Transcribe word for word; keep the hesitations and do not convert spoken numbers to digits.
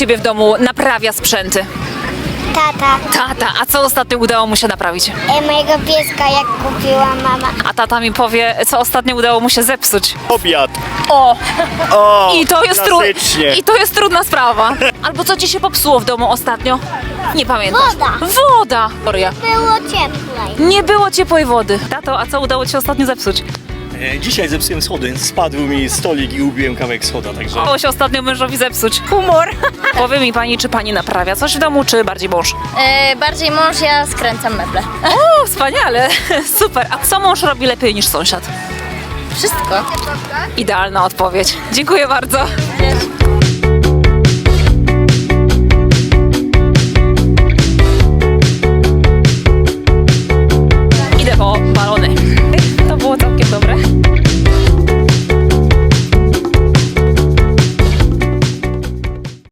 ciebie w domu naprawia sprzęty? Tata. Tata, a co ostatnio udało mu się naprawić? E, mojego pieska, jak kupiła mama. A tata mi powie, co ostatnio udało mu się zepsuć. Obiad. O! O, I to jest, tru... klasycznie. I to jest trudna sprawa. Albo co ci się popsuło w domu ostatnio? Nie pamiętasz. Woda. Woda! Gloria. Było cieplej. Nie było ciepłej wody. Tato, a co udało ci się ostatnio zepsuć? E, Dzisiaj zepsułem schody, spadł mi stolik i ubiłem kawałek schoda, także... Udało się ostatnio mężowi zepsuć. Humor. Powie mi pani, czy pani naprawia coś w domu, czy bardziej mąż? E, bardziej mąż, ja skręcam meble. O, wspaniale. Super. A co mąż robi lepiej niż sąsiad? Wszystko. Idealna odpowiedź. Dziękuję bardzo. Idę po balony. To było to.